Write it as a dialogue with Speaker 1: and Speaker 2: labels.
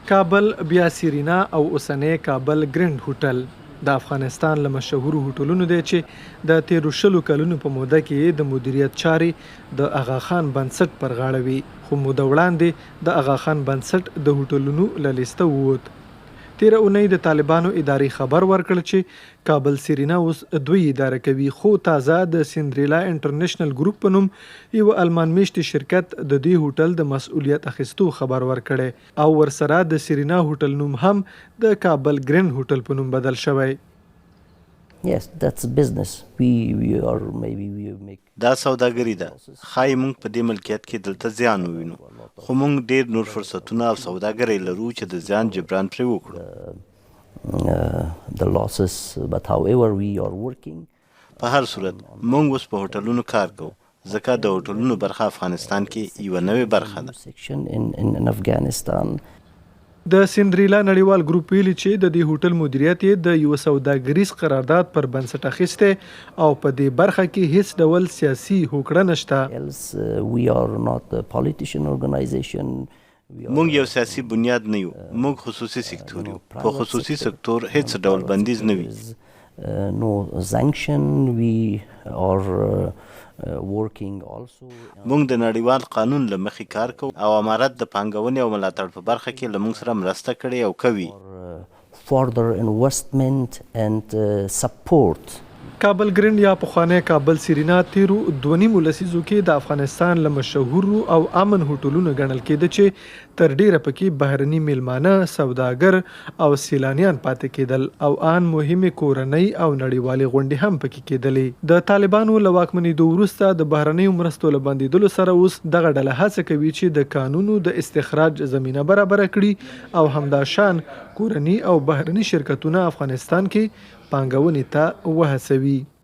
Speaker 1: کابل بیا سیرینا او اوسنی کابل ګرینډ هوټل د افغانستان له مشهورو هوټلونو دی چې د تیرو 20 کلونو په موده کې د مدیریت چارې د اغاخان بنسټ پر غاړه وي، خو موده وړاندې د اغاخان بنسټ د هوټلونو له لیسته ووت. تیره اونۍ د طالبانو ادارې خبر ورکړ چې کابل سیرینا اوس دوی اداره کوي، خو تازه د سندریلا انټرنیشنل ګروپ په نوم یو المان میشتي شرکت د دې هوټل د مسؤلیت اخیستو خبر ورکړی او ورسره د سیرینا هوټل نوم هم د کابل ګرینډ هوټل په نوم بدل شوی.
Speaker 2: Yes, that's business. We make
Speaker 3: دا سوداګري ده. ښایي موږ په دې ملکیت کې دلته زیان ووینو، خو موږ ډېر نور فرصتونه او سوداګري لرو چې د زیان جبران پرې وکړو.
Speaker 2: the losses, but however we are working.
Speaker 3: په هر صورت موږ اوس په هوټلونو کار کوو، ځکه د هوټلونو برخه افغانستان کې یوه نوې برخه ده.
Speaker 2: Section in Afghanistan.
Speaker 1: د سندریلا نړیوال ګروپ ویلي چې د دې هوټل مدیریت یې د یو سوداګریز قرارداد پر بنسټ اخیستی او په دې برخه کې هیڅ ډول سیاسي هوکړه نشته.
Speaker 2: We are not a politician organization.
Speaker 3: موږ یو سیاسي بنیاد نه یو، موږ خصوصي سکتور یو. په خصوصي سکتور هیڅ ډول بندیز نه وي.
Speaker 2: No sanction. We are working also.
Speaker 3: موږ د نړیوال قانون له مخې کار کوو او امارت د پانګونې او ملاتړ په برخه کې له موږ سره مرسته کړې او کوي.
Speaker 2: Further investment and support.
Speaker 1: کابل ګرینډ یا پخوانی کابل سیرینا تیرو 2.5 لسیزو کې د افغانستان له مشهورو او امن هوټلونو ګڼل کېده چې تر ډیره پکې بهرني میلمانه، سوداګر او سیلانیان پاتې کېدل او ان مهمې کورنۍ او نړیوالې غونډې هم پکې کېدلې. د طالبانو له واکمنېدو وروسته د بهرنیو مرستو له بندېدلو سره اوس دغه ډله هڅه کوي چې د کانونو د استخراج زمینه برابره کړي او همداشان کورني او بهرني شرکتونه افغانستان کې پانګونې ته وهڅوي.